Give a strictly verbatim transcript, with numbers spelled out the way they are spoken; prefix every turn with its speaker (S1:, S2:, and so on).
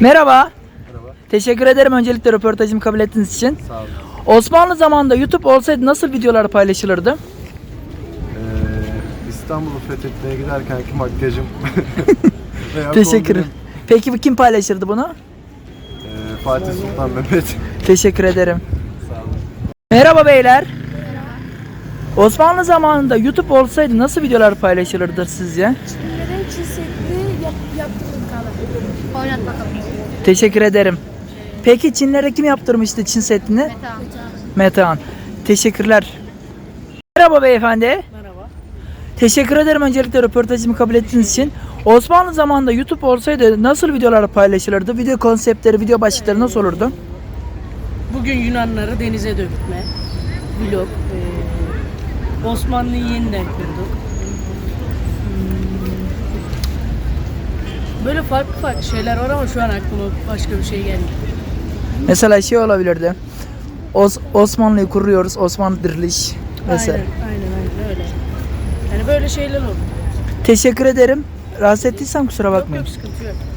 S1: Merhaba.
S2: Merhaba.
S1: Teşekkür ederim öncelikle röportajımı kabul ettiğiniz için.
S2: Sağ olun.
S1: Osmanlı zamanında YouTube olsaydı nasıl videolar paylaşılırdı?
S2: Ee, İstanbul'u fethetmeye giderkenki makyajım. Veya
S1: Teşekkür ederim.
S2: kombinim.
S1: Peki bu kim paylaşırdı bunu?
S2: Ee, Fatih Sultan Mehmet.
S1: Teşekkür ederim.
S2: Sağ olun.
S1: Merhaba beyler. Osmanlı zamanında YouTube olsaydı nasıl videolar paylaşılırdı sizce?
S3: Neden çizsetli yap, yaptırdım kalan? Oynat bakalım.
S1: Teşekkür ederim. Peki Çinlere kim yaptırmıştı Çin setini?
S3: Meta.
S1: Metehan. Teşekkürler. Merhaba beyefendi.
S3: Merhaba.
S1: Teşekkür ederim öncelikle röportajımı kabul ettiğiniz için. Osmanlı zamanında YouTube olsaydı nasıl videolar paylaşılırdı? Video konseptleri, video başlıkları nasıl olurdu?
S4: Bugün Yunanları denize dökme, vlog, eee, Osmanlı'yı yeniden kurduk. Hmm. Böyle farklı farklı şeyler var ama şu an aklıma başka bir şey gelmiyor.
S1: Mesela şey olabilirdi. Os Osmanlı'yı kuruyoruz, Osmanlı diriliş vesaire.
S4: Aynen, aynen, aynen öyle. Yani böyle şeyler olur.
S1: Teşekkür ederim. Rahatsız ettiysem kusura
S4: Yok
S1: bakmayın.
S4: yok sıkıntı yok.